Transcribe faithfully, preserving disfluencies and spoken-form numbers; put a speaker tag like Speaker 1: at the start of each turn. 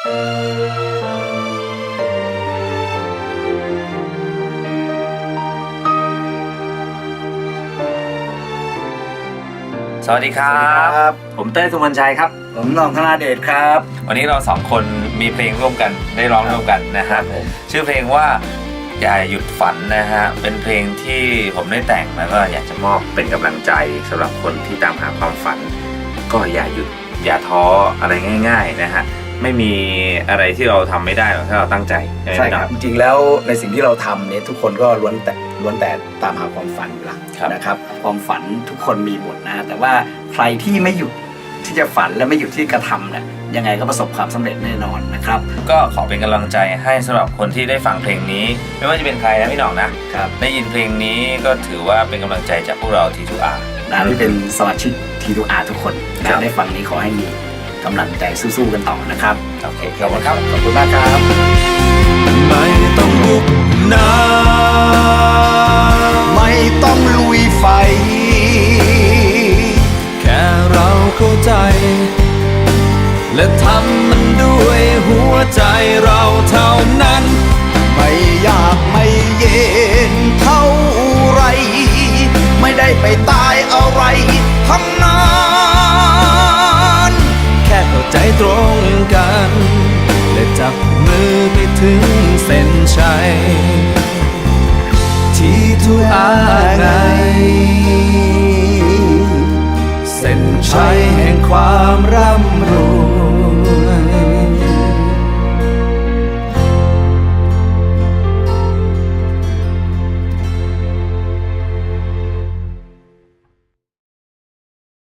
Speaker 1: สวัสดีครับผมเต้ย สุวรรณชัยครับ
Speaker 2: ผมหน่อง ธนาเดชครับ
Speaker 1: วันนี้เราสองคนมีเพลงร่วมกันได้ร้องร่วมกันนะฮะชื่อเพลงว่าอย่าหยุดฝันนะฮะเป็นเพลงที่ผมได้แต่งแล้วก็อยากจะมอบเป็นกำลังใจสำหรับคนที่ตามหาความฝันก็อย่าหยุดอย่าท้ออะไรง่ายๆนะฮะไม่มีอะไรที่เราทำไม่ได้หรอกถ้าเราตั้งใจ
Speaker 2: ใช่ครับจริงๆแล้วในสิ่งที่เราทำเนี่ยทุกคนก็ล้วนแต่ล้วนแต่ตามหาความฝันอยู่แล้วนะครับความฝันทุกคนมีหมดนะแต่ว่าใครที่ไม่หยุดที่จะฝันและไม่หยุดที่กระทำเนี่ยยังไงก็ประสบความสำเร็จแน่นอนนะครับ
Speaker 1: ก็ขอเป็นกำลังใจให้สำหรับคนที่ได้ฟังเพลงนี้ไม่ว่าจะเป็นใครนะพี่หน่องนะครับได้ยินเพลงนี้ก็ถือว่าเป็นกำลังใจจากพวกเรา ที ทู อาร์
Speaker 2: นะที่เป็นสมาชิก ที ทู อาร์ ทุกคนนะได้ฟังนี้ขอให้มีกำลังใจสู้ๆกันต่อนะครับ
Speaker 1: โอเคขอบคุณครับ
Speaker 2: ขอบคุณมากครับ
Speaker 3: ไม่ต้องบุกน้ำ
Speaker 2: ไม่ต้องลุยไฟ
Speaker 3: แค่เราเข้าใจและทำมันด้วยหัวใจเราเท่านั้น
Speaker 2: ไม่ยากไม่เย็นเท่าไรไม่ได้ไปตายอะไรทั้งนั้น
Speaker 3: แค่เข้าใจตรงกันและจับมือไปถึงเส้นชัยที่ทุกอาไงเส้นชัยแห่งความร่ำรวย